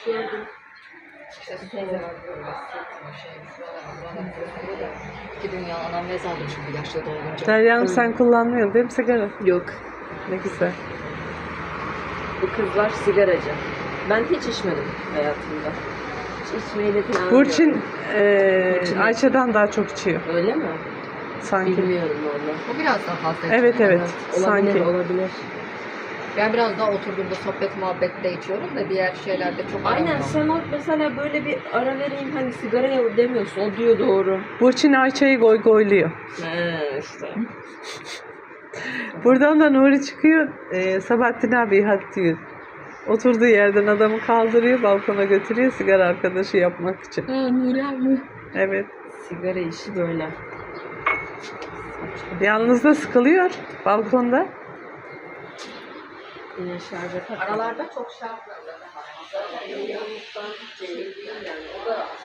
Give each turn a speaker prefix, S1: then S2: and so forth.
S1: gördüm.
S2: İşte su var, böyle sırt, şuralar da. İki dünya anam bez aldım şimdi yaşlı doğunca.
S3: Derya'm sen kullanmıyorsun değil mi sigara?
S1: Yok.
S3: Ne güzel.
S1: Bu kızlar sigaracı. Ben hiç içmedim hayatımda. Hiç içmeyi de falan
S3: Burçin
S1: Burçin.
S3: Ayça'dan daha çok içiyor
S1: Öyle mi?
S3: sanki.
S1: Bilmiyorum valla.
S2: O biraz daha fazla.
S3: Evet
S2: içiyor.
S3: evet
S1: Olabilir,
S3: sanki.
S1: olabilir.
S2: Ben biraz daha oturduğumda sohbet muhabbette içiyorum da diğer şeylerde çok
S1: Aynen,
S2: aramam.
S1: Sema mesela böyle bir ara vereyim hani sigaraya demiyorsun. O diyor doğru.
S3: Burçin Ayça'yı goy goyluyor.
S1: İşte.
S3: Buradan da Nuri çıkıyor. Sabahattin abi hadi diyor. Oturduğu yerden adamı kaldırıyor, balkona götürüyor sigara arkadaşı yapmak için.
S1: Nuri abi.
S3: Evet.
S1: Sigara işi böyle.
S3: Yalnız da sıkılıyor balkonda.
S1: Yine şarja tak.
S2: Aralarda çok şartlarda.